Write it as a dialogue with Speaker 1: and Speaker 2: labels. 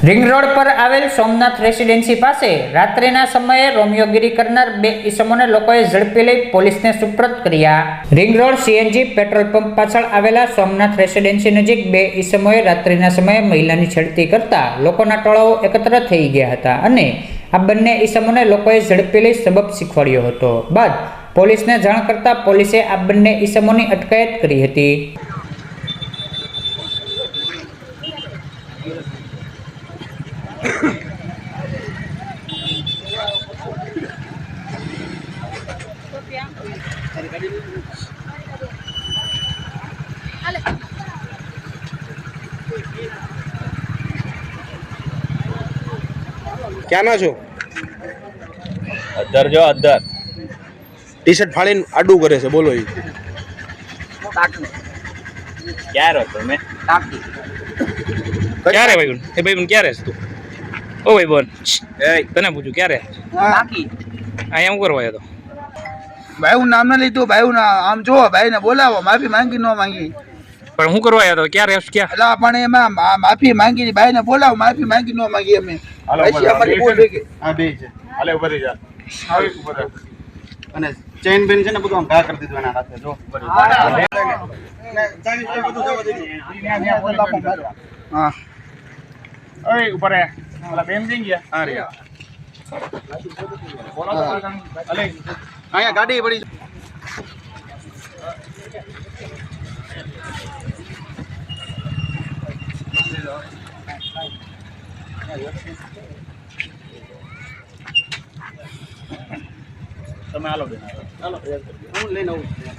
Speaker 1: Ring road पर आवेल Somnath residency पासे रात्रिना समये रोमियोगिरी करनार बे ईसमोने लोकोए झड़पी लई पोलीसने सुपुर्द कर्या। Ring road CNG petrol pump पाछळ आवेला सोमनाथ रेसिडेंसी नजीक बे ईसमोए रात्रिना समये महिलानी छेड़ती करता लोकोना टोळाओ एकत्र थई गया हता अने आ बंने ईसमोने लोकोए झड़पी लई सबब शीखवाड्यो हतो। बाद पोलीसने जाण करता पोलीसे आ बंने ईसमोनी अटकायत करी हती।
Speaker 2: क्या ना छो
Speaker 3: अदर जो अदर
Speaker 2: टी शर्ट फाड़ी आडू करे से बोलो
Speaker 3: क्या रहो तुम्हें
Speaker 4: क्या रे भाई ए भाई क्या रे तू ओ भाई बोन ए तने पूछू क्या रे
Speaker 5: बाकी
Speaker 4: आया હું કરવા તો
Speaker 5: ભાઈ હું નામ ના લીધું ભાઈ હું આમ જો ભાઈ ને બોલાવો માફી માંગી ન માંગી
Speaker 4: પણ હું કરવા આવ્યો તો ક્યાં રેસ ક્યાં
Speaker 5: એટલે પણ એમાં માફી માંગી ભાઈ ને બોલાવો માફી માંગી ન માંગી અમે પછી અમારી ભૂલ થઈ ગઈ
Speaker 2: હા બે છે હાલે ઉપર જા આવી ઉપર અને ચેન બેન છે ને બધું આમ ઘા કરી દીધું એના હાથે જો
Speaker 5: હા
Speaker 4: ઓય ઉપર આ ઓલા બેન જઈ ગયા
Speaker 2: હા રે અલે અહીંયા ગાડી પડી તમે હાલો બેન હાલો હું લઈને આવું